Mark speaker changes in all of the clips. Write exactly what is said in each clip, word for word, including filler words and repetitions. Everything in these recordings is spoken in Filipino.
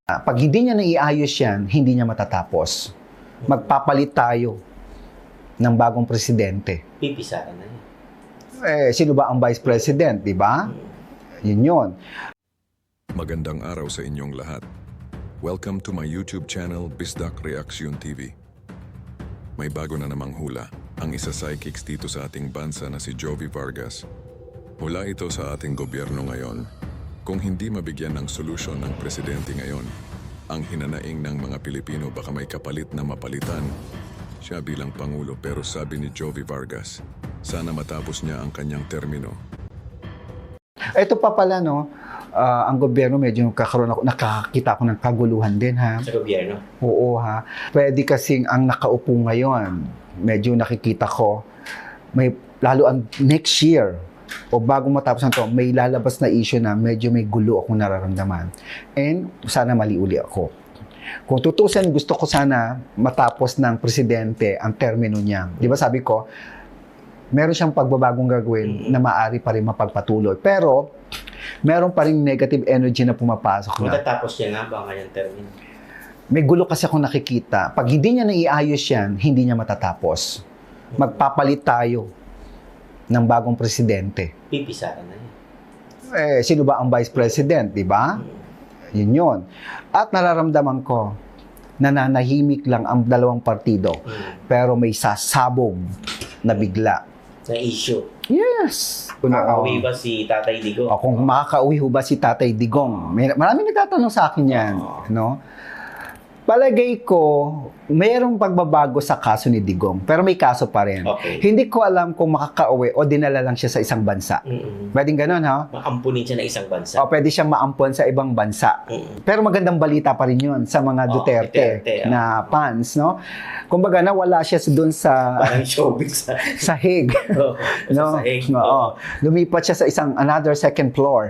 Speaker 1: Pag hindi niya naiayos yan, hindi niya matatapos. Magpapalit tayo ng bagong presidente.
Speaker 2: Pipisahan na yan.
Speaker 1: Eh, sino ba ang vice president, di ba? Yun yun.
Speaker 3: Magandang araw sa inyong lahat. Welcome to my YouTube channel, Bisdak Reaction T V. May bago na namang hula, ang isa psychics dito sa ating bansa na si Jovi Vargas. Mula ito sa ating gobyerno ngayon. Kung hindi mabigyan ng solusyon ng presidente ngayon, ang hinanaing ng mga Pilipino baka may kapalit na mapalitan siya bilang Pangulo, pero sabi ni Jovi Vargas, sana matapos niya ang kanyang termino.
Speaker 1: Ito pa pala, no, ah, ang gobyerno medyo kakaroon ako, nakakita ako ng kaguluhan din, ha?
Speaker 2: Sa gobyerno.
Speaker 1: Oo, ha? Pwede kasing ang nakaupo ngayon, medyo nakikita ko, may lalo ang next year, o bago matapos na to, may lalabas na issue na medyo may gulo akong nararamdaman. And sana mali uli ako. Kung tutusin, gusto ko sana matapos ng presidente ang termino niya. Di ba sabi ko, meron siyang pagbabagong gagawin mm-hmm. na maaari pa rin mapagpatuloy. Pero, meron pa rin negative energy na pumapasok na.
Speaker 2: Matatapos niya nga ba ngayong termino?
Speaker 1: May gulo kasi akong nakikita. Pag hindi niya naiayos yan, hindi niya matatapos. Magpapalit tayo ng bagong presidente.
Speaker 2: Pipisahan na yan.
Speaker 1: Eh, sino ba ang vice president, di ba? Yun yun. At nararamdaman ko, nananahimik lang ang dalawang partido,
Speaker 2: Mm.
Speaker 1: pero may sasabog na bigla.
Speaker 2: Na issue.
Speaker 1: Yes!
Speaker 2: Makakauwi ba si Tatay Digong?
Speaker 1: O, kung makakauwi ho ba si Tatay Digong? May, maraming nagtatanong sa akin yan.
Speaker 2: Oo.
Speaker 1: No? Palagay ko, mayroong pagbabago sa kaso ni Digong, pero may kaso pa rin.
Speaker 2: Okay.
Speaker 1: Hindi ko alam kung makakauwi o dinala lang siya sa isang bansa.
Speaker 2: Mm-mm.
Speaker 1: Pwedeng ganun, ha?
Speaker 2: Maampunin siya na isang bansa.
Speaker 1: O pwede siyang maampon sa ibang bansa.
Speaker 2: Mm-mm.
Speaker 1: Pero magandang balita pa rin yun sa mga
Speaker 2: Oo,
Speaker 1: Duterte,
Speaker 2: Duterte,
Speaker 1: na fans, no? Kumbaga, nawala siya doon sa
Speaker 2: Parang showbiz sa...
Speaker 1: sa Hague.
Speaker 2: Oo,
Speaker 1: No?
Speaker 2: sa sahig.
Speaker 1: Oo. Lumipat siya sa isang another second floor.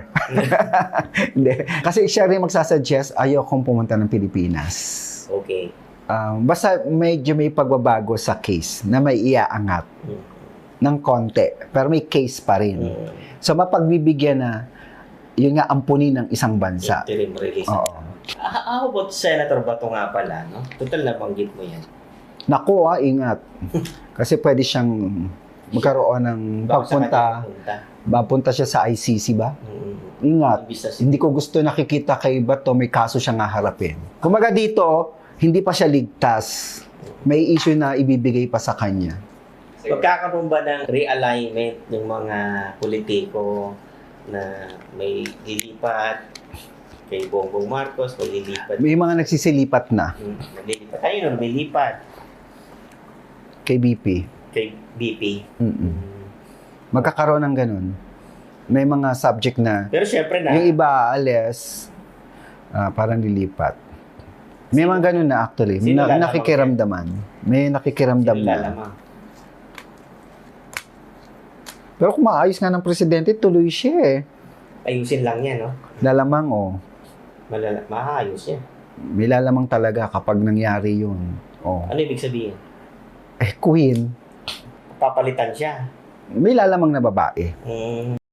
Speaker 1: Hindi. Kasi siya rin magsasuggest, ayaw kong pumunta ng Pilipinas.
Speaker 2: Okay.
Speaker 1: Um, basta medyo may pagbabago sa case na may iaangat
Speaker 2: Mm.
Speaker 1: ng konti. Pero may case pa rin.
Speaker 2: Mm.
Speaker 1: So, mapagbibigyan na yun nga ampunin ng isang bansa.
Speaker 2: Interim release.
Speaker 1: Oo.
Speaker 2: Ah, How about Senator Bato nga pala, no? Total nabanggit mo yan.
Speaker 1: Naku, ah, ingat. Kasi pwede siyang magkaroon ng
Speaker 2: Baka sa
Speaker 1: pagpunta.
Speaker 2: kanya pupunta.
Speaker 1: Mapunta siya sa I C C ba?
Speaker 2: Mm.
Speaker 1: Ingat.
Speaker 2: Imbis na-
Speaker 1: Hindi ko gusto nakikita kay Bato may kaso siyang haharapin. Kumaga dito, hindi pa siya ligtas. May issue na ibibigay pa sa kanya.
Speaker 2: Magkakaroon ba ng realignment ng mga politiko na may lilipat kay Bongbong Marcos, may lilipat,
Speaker 1: May mga nagsisilipat na
Speaker 2: Hmm, may lilipat. Ayun, may lilipat
Speaker 1: kay B P.
Speaker 2: kay B P.
Speaker 1: Mm-mm.
Speaker 2: Hmm.
Speaker 1: Magkakaroon ng ganun. May mga subject na
Speaker 2: Pero syempre na,
Speaker 1: yung iba alis, ah, parang lilipat. May mga ganun na actually.
Speaker 2: Sino
Speaker 1: Na,
Speaker 2: lalamang
Speaker 1: nakikiramdaman. May nakikiramdam
Speaker 2: sino
Speaker 1: na.
Speaker 2: lalamang?
Speaker 1: Pero kung maayos nga ng presidente, tuloy siya eh.
Speaker 2: Ayusin lang yan, no?
Speaker 1: Lalamang oh.
Speaker 2: Malala- maayos yan.
Speaker 1: May lalamang talaga kapag nangyari yun. Oh.
Speaker 2: Ano ibig sabihin?
Speaker 1: Eh, queen,
Speaker 2: Papalitan siya.
Speaker 1: may lalamang na babae.
Speaker 2: Hmm.